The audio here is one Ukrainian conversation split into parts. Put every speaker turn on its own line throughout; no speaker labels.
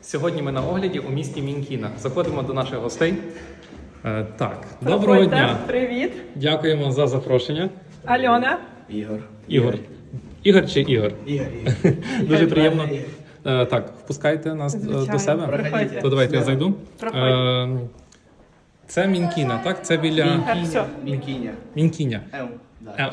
Сьогодні ми на огляді у місті Мінкіна. Заходимо до наших гостей. Доброго дня.
Привіт.
Дякуємо за запрошення.
Альона.
Ігор. Ігор чи Ігор?
Ігор.
Дуже приємно. Так, впускайте нас до себе.
Проходьте.
То давайте я зайду.
Проходьте.
Це Мінкіна, так? Це біля
Все.
Мінкіня.
Да.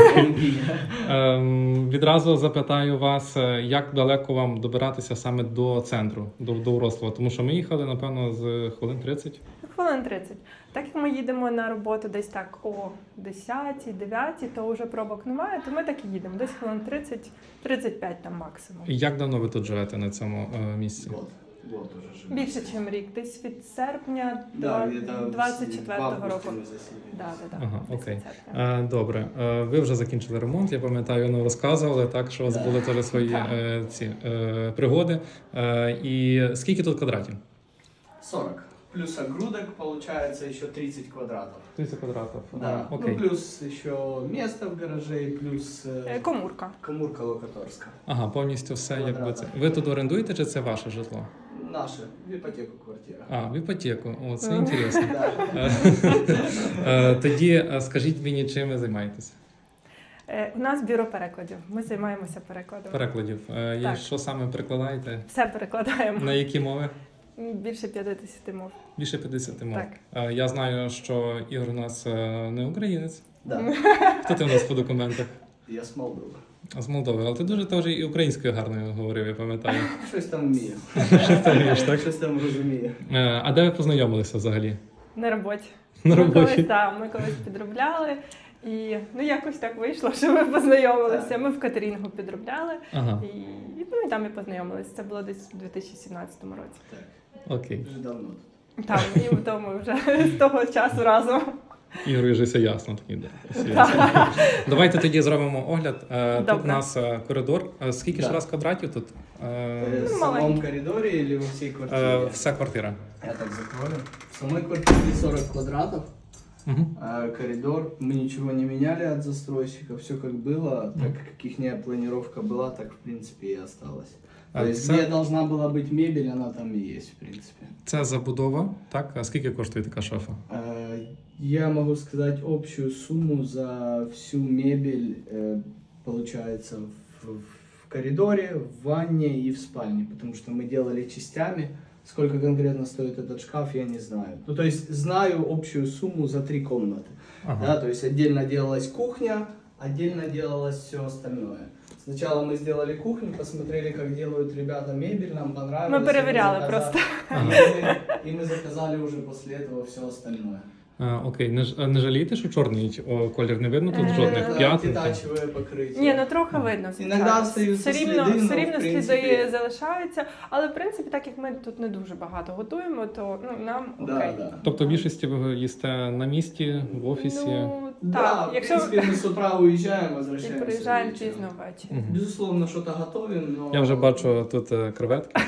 Відразу запитаю вас, як далеко вам добиратися саме до центру, до Вроцлава? Тому що ми їхали, напевно, з хвилин 30.
Хвилин 30. Так як ми їдемо на роботу десь так о 10-9, то вже пробок немає, то ми так і їдемо. Десь хвилин 30-35 там максимум.
Як давно ви тут живете на цьому місці?
Год уже живем.
Більше, ніж рік. Десь від серпня
Да, где-то
24-го року.
мы заселились.
Да.
Ага,
десь
окей.
від серпня.
Добре. Ви вже закінчили ремонт, я пам'ятаю, ну, розказували, так, що у вас були теж свої
Так.
пригоди. І скільки тут квадратів?
40. Плюс огрудок получается еще 30 квадратов.
30 квадратів.
Да.
Окей.
Ну плюс еще место в гараже, плюс
Комурка.
комурка локаторская.
Ага, повністю все, якби це.
Квадрата.
Ви тут орендуєте чи це ваше житло?
Наша, в ипотеку квартира.
А, в іпотеку. О, це інтересно.
Да.
Тоді скажіть мені, чим ви займаєтеся?
У нас бюро перекладів. Ми займаємося перекладом.
Перекладів. І
Так.
що саме перекладаєте?
Все перекладаємо.
На які мови?
Більше 50 мов.
Більше 50 мов.
Так.
Я знаю, що Ігор у нас не українець.
Да.
Хто ти у нас по документах?
Я с Молдови.
З Молдови. Але ти дуже теж і українською гарною говорив, я пам'ятаю.
Щось там вмію.
Що ти вмієш, так?
Щось там розумію.
А де ви познайомилися взагалі?
На роботі.
На роботі?
Ми колись підробляли. І якось так вийшло, що ми познайомилися. Ми в катерінгу підробляли.
Ага,
І там і познайомилися. Це було десь у 2017 році.
Так,
окей.
вже давно.
Там, і в тому вже з того часу разом.
Ігорю вже все ясно. Тоді, да. Все ясно. Давайте тоді зробимо огляд. Тут
Добре.
у нас коридор. Скільки ж
Да.
раз квадратів тут?
В самом
маленький.
коридоре или во всей квартире?
Вся квартира.
Я так закрою. В самой квартире 40 квадратов.
Угу.
Коридор. Мы ничего не меняли от застройщика. Все как было. Так как их планировка была, так в принципе и осталось. То есть где должна была быть мебель, она там и есть в принципе.
Це забудова, так? А скільки коштує така шафа?
Я могу сказать общую сумму за всю мебель, получается, в коридоре, в ванне и в спальне, потому что мы делали частями. Сколько конкретно стоит этот шкаф, я не знаю. Ну, то есть знаю общую сумму за 3 комнаты.
Ага.
Да, то есть отдельно делалась кухня, отдельно делалось все остальное. Сначала мы сделали кухню, посмотрели, как делают ребята мебель, нам понравилось.
Ми перевіряли
и мы
просто.
И мы заказали уже после этого все остальное.
Окей, не жалієте, що чорний колір не видно тут жодних
Да,
п'ятин?
детачевое покрытие.
Ні, трохи видно.
Іноді остаються
все рівно,
сліди,
все
ну,
рівно
в
сліди
принципі.
залишаються, але в принципі, так як ми тут не дуже багато готуємо, то нам окей.
Да.
Тобто в більшості ви їсте на місці, в офісі?
Ну,
Да,
так,
в
якщо
принципе, мы с утра уезжаем,
і
возвращаемся
приїжджаємо
вечером.
пізно ввечері.
Мгм.
Безусловно, что-то готовим, но...
Я вже бачу тут креветки.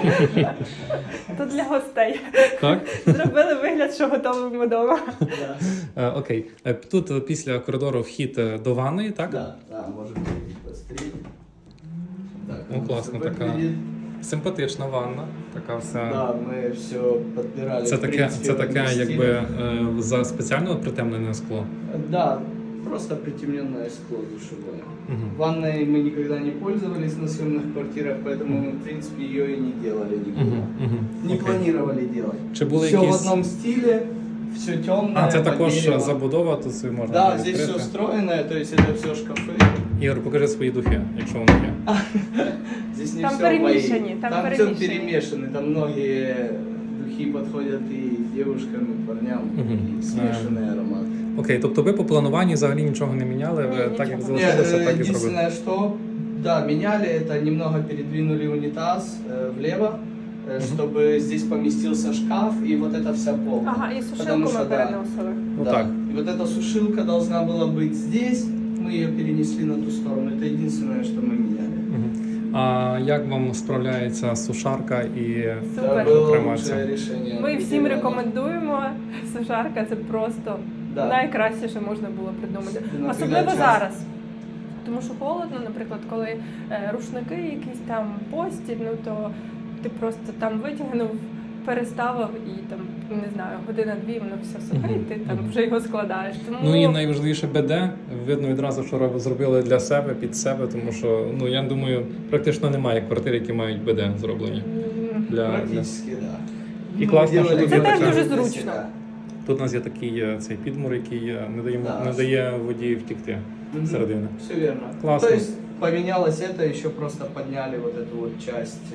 Тут для гостей.
Так?
Зробили вигляд, що готовимо вдома.
Да,
Окей. Тут після коридору вхід до ванної, так?
да, можем перейти быстрее. Так,
Ну,
оно
классно
всё
такая.
выглядит.
Симпатична ванна. Така вся.
Да, мы все подбирали.
Це
в
таке,
принципе,
це
в
таке,
этом
якби
стиле.
за спеціально притемнене скло.
Да, просто притемненное скло душевое.
Угу.
Ванной мы никогда не пользовались на съемных квартирах, поэтому мы, в принципе, ее и не делали никуда. Не планировали делать.
Чи були
Все в
якісь...
одном стиле, все темное.
А, це
по
також
дереву.
забудова, тут собі можна
Да,
відкрити.
здесь все встроенное, то есть это все шкафы.
Ігор, покажи свої духи, якщо вони є.
Здесь не
Там
все
перемешаны,
мои.
там
Там все
перемешаны.
перемешаны. Там многие духи подходят и девушкам, и парням,
Мгм.
и смешанный аромат.
Окей, тобто ви по плануванні взагалі нічого не міняли, ви
Ні,
так як
нічого.
залишилося, так і зробили.
Единственное, что, да, меняли это, немного передвинули унитаз влево, чтобы здесь поместился шкаф и вот эта вся полка.
Ага, і
Потому
сушилку
що,
ми
да.
переносили.
Ну
Да.
так.
И вот эта сушилка должна была быть здесь, мы ее перенесли на ту сторону. Это единственное, что мы меняли.
Мгм. А як вам справляється сушарка і
Супер.
Это было
Кремация.
лучшее решение.
Ми всім
Да.
рекомендуємо. Сушарка це просто
Да.
найкраще, що можна було придумати.
Наприклад,
Особливо
час.
зараз. Тому що холодно, наприклад, коли рушники якісь там постіль, ну то ти просто там витягнув, переставив і там, не знаю, година-дві, воно все сухе, і ти там вже його складаєш. Тому
Ну і найважливіше БД. Видно відразу, що зробили для себе, під себе, тому що, ну, я думаю, практично немає квартир, які мають БД зроблені. Для...
Практически, да.
І класно, що
делали
тут є
Це теж
така...
дуже
для
зручно.
себя.
Тут у нас є такий цей підмур, який
Да.
не дає водії втікти
Мгм.
всередину.
Все верно.
Классно.
То есть поменялось это, еще просто подняли вот эту вот часть,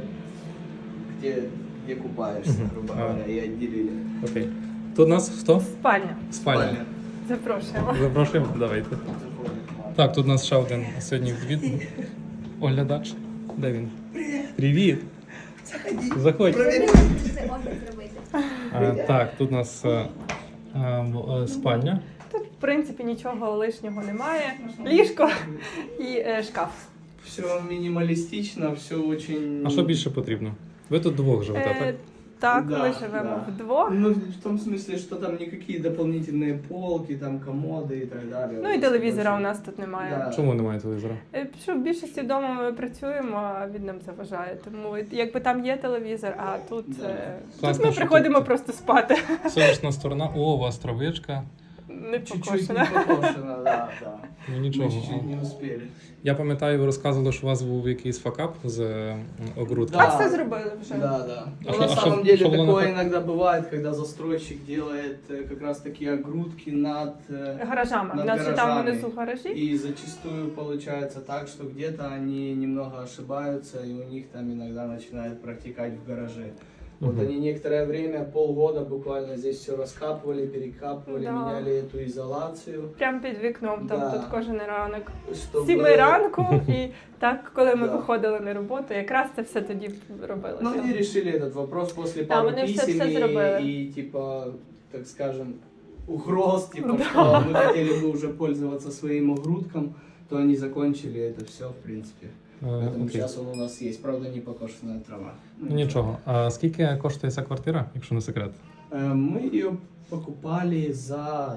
где купаешься,
Мгм.
грубо
А.
говоря, и отделили.
Окей. Тут у нас хто?
спальня.
Спальня.
Запрошуємо.
Запрошуємо, давайте. Так, тут у нас ще один сьогодні від оглядач. Де він? Привіт! Заходь. Так, тут у нас спальня.
Тут, в принципі, нічого лишнього немає. Ліжко і шкаф.
Все минималистично, все очень...
А що більше потрібно? Ви тут двох живете, так?
Так,
Да,
ми живемо
да.
вдвох.
Ну, в том смысле, что там никакие дополнительные полки, там комоды и так далее.
Ну і телевізора у нас тут немає.
Да.
Чому немає телевізора?
Що в більшості вдома ми працюємо, а він нам заважає. Тому якби там є телевізор, а тут,
Да.
тут
Класно,
ми
що
приходимо
тут-
просто спати.
Сонячна сторона. О, у вас травичка.
Не
Чуть-чуть
покошена.
не покошено, да, да.
Ну
Мы
нічого.
чуть-чуть не успели.
Я пам'ятаю, ви розказували, що у вас був якийсь факап з огрудки.
Да.
А все зробили вже.
Да, да.
А
Ну,
шо-
на
а
самом
шо-
деле
шо было
такое
на-
иногда бывает, когда застройщик делает как раз такие огрудки над...
Гаражами. У
Над
нас же там
гаражами.
внизу гаражі.
И зачастую получается так, что где-то они немного ошибаются, и у них там иногда начинает протекать в гараже. Вот
Мгм.
они некоторое время, полгода буквально здесь все раскапывали, перекапывали,
Да.
меняли эту изоляцию.
Прямо під вікном, там
Да.
тут кожен ранок.
Чтобы...
7 ранку, і так, коли ми
Да.
виходили на роботу, якраз це все тоді робилося.
Ну, они решили этот вопрос после
Да,
пары
они все
писем
зробили.
и, типа, так скажем, угроз, типа,
Да.
что мы хотели бы уже пользоваться своим огрудком, то они закончили это все, в принципе. Поэтому
Окей.
сейчас он у нас есть, правда, не покошенная трава.
Ну, нічого. А скільки коштує ця квартира, якщо не секрет?
Мы ее покупали за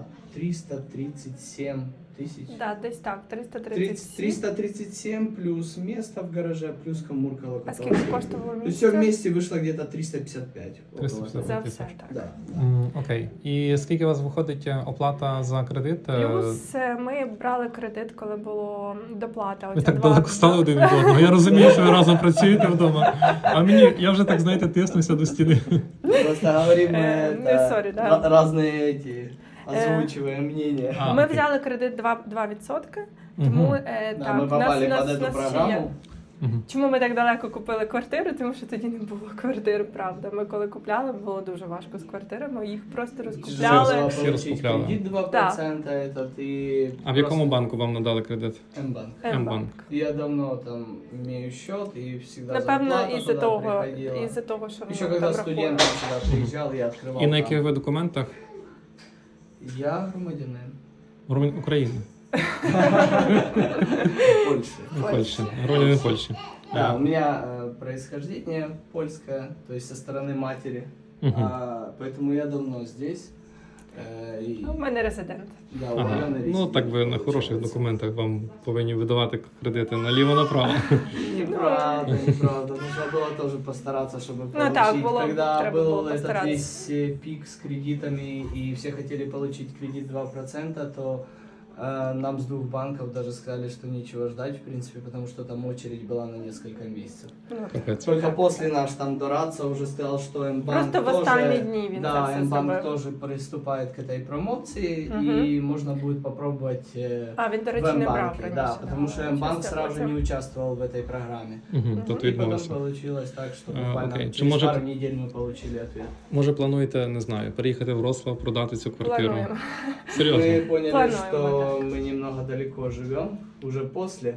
337 тысяч.
Да, десь так, 337.
337 плюс место в гараже, плюс коммурка
А
локоток.
скільки коштувало
То есть все
місце?
вместе вышло где-то 355. около
355.
За
того.
все, так.
Да.
Окей. І скільки у вас виходить оплата за кредит?
Плюс ми брали кредит, коли було доплата.
Ви
Оця
так
2
далеко стали один від одного. Я розумію, що ви разом працюєте вдома. А мені, я вже так, знаєте, тиснуся до стіни.
Просто говорим
sorry, да.
разные эти, озвучиваем мнения.
А,
Ми
окей.
взяли кредит 2%, тому
Мгм.
Да,
так,
мы попали под эту
ще є.
программу.
Мгм.
Чому ми так далеко купили квартиру? Тому що тоді не було квартир, правда. Ми коли купляли, було дуже важко з квартирами, їх просто
Тяжело
розкупляли.
было
Всі
получить
розкупляли.
кредит 2%, этот и...
А в якому
просто
банку вам надали кредит?
М-банк.
М-банк.
Я давно там имею счет и всегда
Напевно,
зарплата
із-за
туда
того,
приходила.
із-за того, що
Еще
воно
когда
там
студентом
рахує.
сюда приезжал, я открывал
І на
там.
яких ви документах?
Я громадянин
України.
Польши.
Польщі. Громадянин Польщі.
Да, у меня происхождение польское, то есть со стороны матери,
Мгм.
поэтому я давно здесь. И,
У мене резидент.
да,
Ага.
удаленный
Ну так ви на
резидент,
хороших
получается.
документах вам повинні видавати кредити наліво-направо.
Неправда, неправда. Нужно было тоже постараться, чтобы
Ну,
получить.
так, было,
Когда
треба
был
було
этот
постаратися.
весь пик с кредитами, и все хотели получить кредит 2%, то нам с двух банков даже сказали, что нечего ждать, в принципе, потому что там очередь была на несколько месяцев.
Ну,
Капець.
Только после наш там Дорадца уже сказал, что М-банк
Просто в
тоже,
останні дні він це
да,
все
М-банк
зробив.
тоже приступает к этой промоции,
Мгм.
и можно будет попробовать
А, він, до
в
речі, не брав
М-банке,
раніше.
да, потому что М-банк
Щось я
сразу же
потім.
не участвовал в этой программе.
Угу,
Мгм.
тут
И потом
відмовився.
получилось так, что
А,
буквально
окей. Чи
через
може-
пару недель мы получили ответ.
Може плануєте, не знаю, переїхати в Вроцлав, продати цю квартиру?
Плануємо.
Серйозно?
Мы поняли,
Плануем,
что мы немного далеко живем, уже после,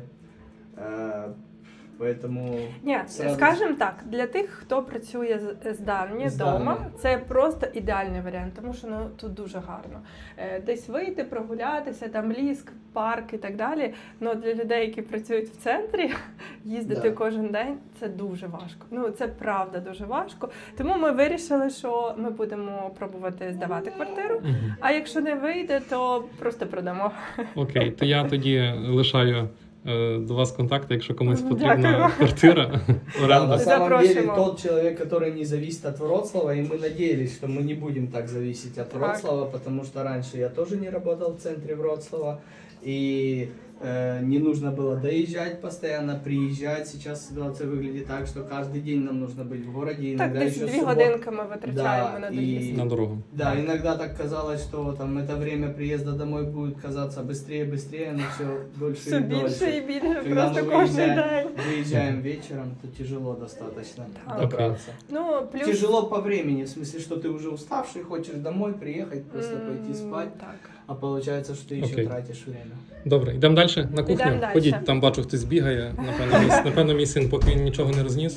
поэтому...
Ні,
Сразу-
скажімо так, для тих, хто працює здалні
Здалні.
вдома, це просто ідеальний варіант, тому що тут дуже гарно. Десь вийти, прогулятися, там ліс, парк і так далі. Ну для людей, які працюють в центрі, їздити
Да.
кожен день це дуже важко. Ну це правда дуже важко. Тому ми вирішили, що ми будемо пробувати здавати квартиру.
Мгм.
А якщо не вийде, то просто продамо.
Окей, то я тоді лишаю до вас контакти, якщо комусь
Дякую.
потрібна квартира.
Да,
Оренда.
на самом деле
Запрошуємо.
тот человек, который не зависит от Вроцлава, и мы надеялись, что мы не будем так зависеть от
Так.
Вроцлава, потому что раньше я тоже не работал в центре Вроцлава, и не нужно было доезжать постоянно, приезжать. Сейчас ситуация выглядит так, что каждый день нам нужно быть в городе,
Так,
иногда
десь
еще
2
субботу.
годинки ми витрачаємо
Да,
на
і-
доїзд.
На дорогу.
Да, иногда так казалось, что там это время приезда домой будет казаться быстрее, но все дольше
Все
и
більше
дольше.
і більше,
Когда
просто
мы
кожен день.
выезжаем вечером, то тяжело достаточно
Так.
добраться.
Ну, плюс...
Тяжело по времени, в смысле, что ты уже уставший, хочешь домой приехать, просто пойти спать,
Так.
а получается, что ты еще
Окей.
тратишь время.
Добре, йдемо далі на кухню.
Йдемо далі.
Ходіть, там бачу, хтось бігає. Напевно, мій син, поки він нічого не розніс.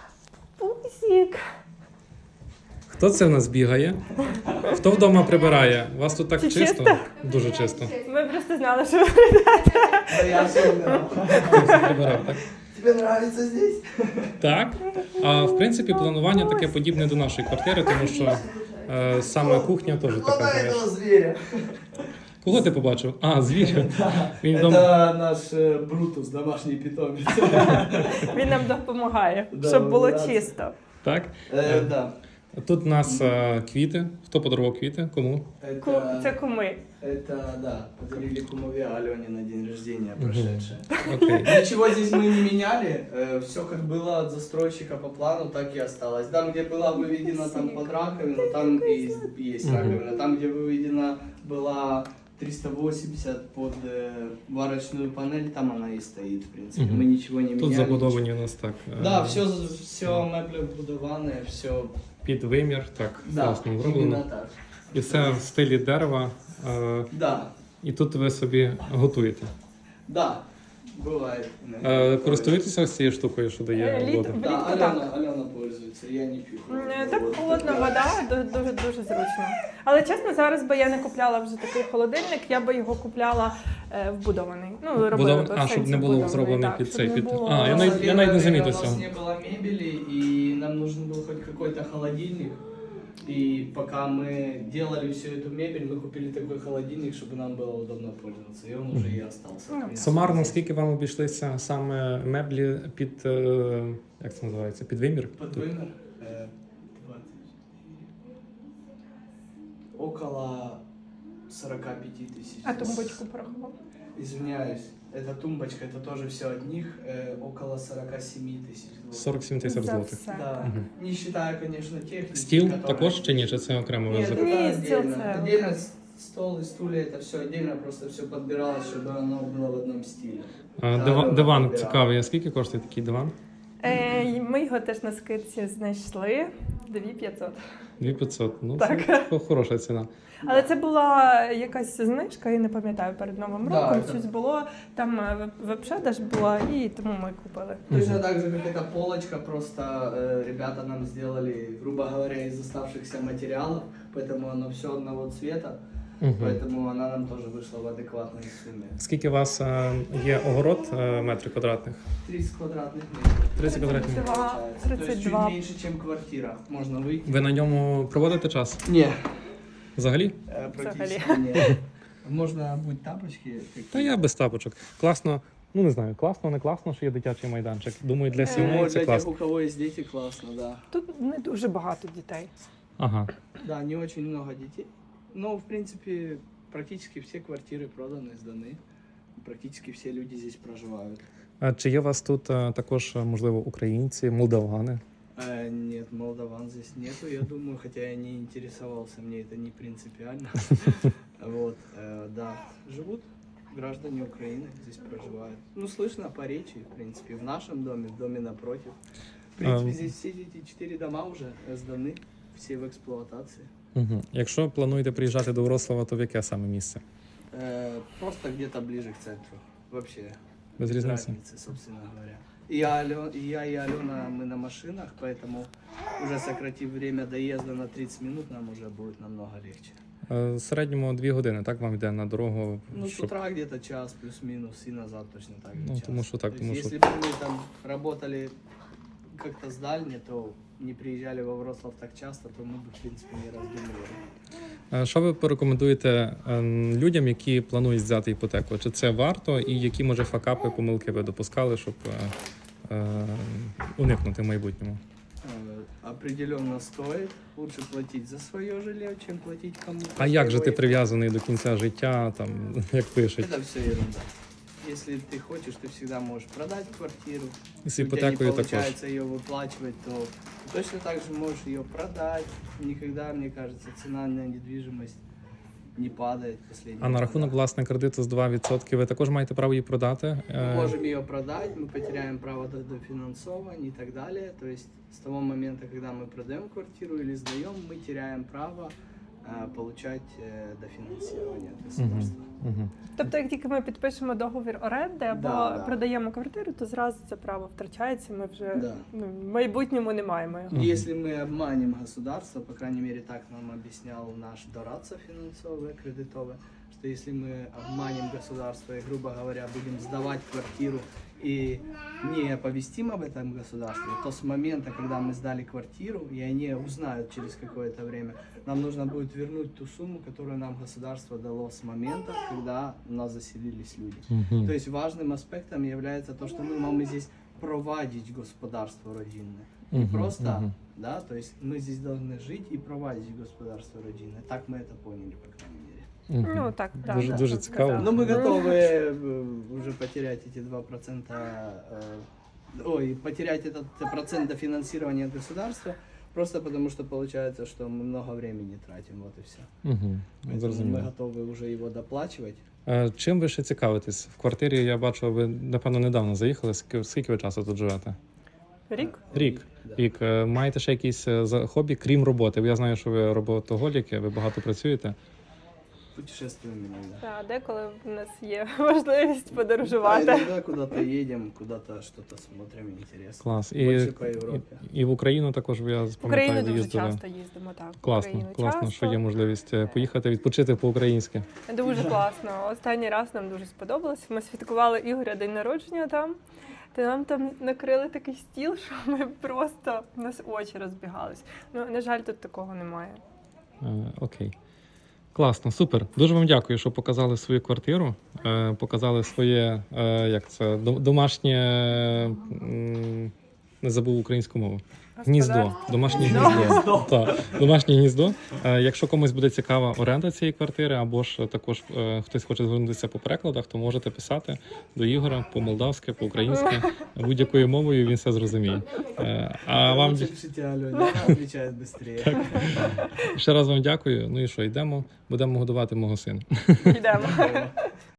Пусік.
Хто це в нас бігає? Хто вдома прибирає? У вас тут так
Чи
чисто?
чисто?
Дуже чисто.
Ми просто знали, що ви
Да я особенно.
Хтось прибирав, так?
Тебе нравится здесь?
Так. А в принципі, планування таке подібне до нашої квартири, тому що саме кухня теж така.
Ломай
знаєш.
этого зверя.
Кого ти побачив? А, звір. Він вдома.
Это наш Брутус, домашний питомец.
він нам допомагає,
Да,
щоб було
да.
чисто.
Так.
Да.
Тут у нас квіти. Хто подарував квіти? Кому?
Це куми.
Это, да, подарили кумове Алене на день рождения прошедшее.
Окей.
Ничего здесь мы не меняли, все как было от застройщика по плану, так и осталось. Там, где была выведена там под раковину, там и есть раковина. Там, где выведена была 380 под варочную панель, там она и стоит, в принципе.
Мгм.
Мы ничего не
Тут
меняли.
забудовані у нас так.
Да, все меблі вбудоване, все
Під вимір, так,
да,
класно
именно
зроблено.
так.
І все в стилі дерева.
Да,
І тут ви собі готуєте.
да, бывает.
Користуєтеся ось цією штукою, що дає
Літ-
воду?
Да,
Влітку так.
Алена пользуется, я не пью.
Так холодна вода, дуже зручно. Але чесно, зараз би я не купляла вже такий холодильник, я би його купляла вбудований. Ну, робила би в
щоб
сенсі
не було
вбудований,
зроблений
так,
під
щоб
цей
не
під.
було-
А, я навіть не
У нас
замітив цього.
не было мебели, и нам нужен был хоть какой-то холодильник. И пока мы делали всю эту мебель, мы купили такой холодильник, чтобы нам было удобно пользоваться. И он уже и остался.
Ну,
в принципе.
Сумарно, скільки вам обійшлися саме меблі під, як це називається, під вимір?
Под вымер, 20. Около 45 тысяч.
А тумбочку порахував?
Извиняюсь, эта тумбочка, это тоже все от них, около 47 тысяч.
47 тисяч
За
злотих.
все.
Да,
Мгм.
не считая, конечно, техники.
Стіл
которая-
також чи ні? Чи це окремо ви
Нет,
закупили?
это
Ні, стіл
отдельно.
це-
Отдельно стол и стулья, это все отдельно, просто все подбиралось, чтобы оно было в одном стиле.
Диван
Да.
цікавий. А скільки коштує такий диван?
Ми його теж на скидці знайшли 2500.
2500. Ну,
Так.
це хороша ціна.
Але це була якась знижка, я не пам'ятаю, перед Новим
Да,
роком
це-
щось було, там веб-продаж була, і тому ми купили.
Точно так же, как эта полочка, просто ребята нам сделали, грубо говоря, из оставшихся материалов, поэтому оно все одного цвета,
Мгм.
поэтому она нам тоже вышла в адекватной сумме.
Скільки у вас є огород метрів квадратних?
30 квадратных метров.
30 квадратних.
32.
Получается. То есть чуть
32.
меньше, чем квартира. Можно выйти.
Ви на ньому проводите час?
Не,
Взагалі?
практически нет. Можно будь тапочки.
Та я без тапочок. Класно, ну не знаю, класно, не класно, що є дитячий майданчик. Думаю, для
Ну,
сімей
для
це
тех,
класно.
у кого есть дети, классно, да.
Тут не дуже багато дітей.
Ага.
Да, не очень много детей. Но, в принципе, практически все квартиры проданы, сданы. Практически все люди здесь проживают.
А чи є у вас тут також, можливо, українці, молдавани?
Нет, молдаван здесь нету, я думаю, хотя я не интересовался, мне это не принципиально. Вот, да, живут граждане Украины, здесь проживают. Ну, слышно по речи, в принципе, в нашем доме, в доме напротив. В принципе, здесь все эти 4 дома уже сданы, все в эксплуатации.
Угу. Якщо плануєте приїжджати до Вроцлава, то в яке саме місце?
Просто где-то ближе к центру, вообще.
Без
Без
різниці?
разницы, собственно говоря. Я и Алена, мы на машинах, поэтому уже сократив время доезда на 30 минут, нам уже будет намного легче.
В середньому 2 години, так вам йде на дорогу?
Ну, с
щоб-
утра где-то час плюс-минус, и назад точно так же
Ну,
час.
тому що так,
То
тому
есть,
що-
если бы мы там работали как-то сдальне, то не приезжали во Вроцлав так часто, то мы бы, в принципе, не раздумывали.
Що ви порекомендуєте людям, які планують взяти іпотеку? Чи це варто, і які, може, факапи, помилки ви допускали, щоб уникнути в майбутньому?
Определенно стоит. Лучше платить за свое жилье, чем платить кому-то.
А як же ти
своего.
прив'язаний до кінця життя, там, як пишуть?
Это все ерунда. Если ты хочешь, ты всегда можешь продать квартиру.
І з
Если у тебя не
іпотекою також.
получается ее выплачивать, то ты точно так же можешь ее продать. Никогда, мне кажется, цена на недвижимость не падает в последние
А на
года.
рахунок, власне, кредиту з 2% ви також маєте право її продати?
Мы можем ее продать, мы потеряем право до финансования и так далее. То есть с того момента, когда мы продаем квартиру или сдаем, мы теряем право получать дофинансирование от государства.
Угу.
Тобто, як тільки ми підпишемо договір оренди або
Да.
продаємо квартиру, то зразу це право втрачається. Ми вже
Да.
в майбутньому не маємо його.
Мгм.
Если мы обманем государство, по крайней мере так нам объяснял наш дорадца финансовый, кредитовый, что если мы обманем государство и, грубо говоря, будем сдавать квартиру и не оповестим об этом государстве, то с момента, когда мы сдали квартиру, и они узнают через какое-то время, нам нужно будет вернуть ту сумму, которую нам государство дало с момента, когда у нас заселились люди. То есть важным аспектом является то, что мы можем здесь проводить господарство родинное. Не
Мгм,
просто,
мгм.
да, то есть мы здесь должны жить и проводить господарство родинное. Так мы это поняли, по крайней мере.
Ну так, да,
Дуже,
да,
дуже
так
цікаво.
сказали.
Но мы готовы уже потерять эти 2%, потерять этот процент дофинансирования от государства, просто потому что получается, что мы много времени тратим, вот и все.
Угу.
Поэтому мы
Зрозуміло.
готовы уже его доплачивать.
Чим ви ще цікавитесь? В квартирі, я бачу, ви, напевно, недавно заїхали. Скільки ви часу тут живете?
Рік?
Рік.
Да.
Рік. Маєте ще якісь хобі, крім роботи? Я знаю, що ви роботоголіки, ви багато працюєте.
Путешествуем иногда.
Так, деколи в нас є можливість
Да,
подорожувати.
иногда куда-то едем, куда-то что-то смотрим интересно.
Клас.
Більше по Європі.
І в Україну також, я
В Україну
пам'ятаю, ви
дуже
їздили.
часто їздимо, так. в
Класно,
Україну
класно,
часто.
що є можливість поїхати відпочити по-українськи.
Дуже класно. Останній раз нам дуже сподобалось. Ми святкували Ігоря день народження там. Та нам там накрили такий стіл, що ми просто у нас очі розбігались. Ну, на жаль, тут такого немає.
Окей. Класно, супер. Дуже вам дякую, що показали свою квартиру, показали своє, як це, домашнє, не забув українську мову. Гніздо.
Господарство.
Домашнє
Гніздо.
гніздо. Так, домашнє гніздо. Якщо комусь буде цікава оренда цієї квартири, або ж також хтось хоче звернутися по перекладах, то можете писати до Ігора по-молдавськи, по-українськи, будь-якою мовою, він все зрозуміє. А вам
Лучше пишите Алене, она отвечает быстрее.
ще раз вам дякую. Ну і що, йдемо, будемо годувати мого сина.
Йдемо.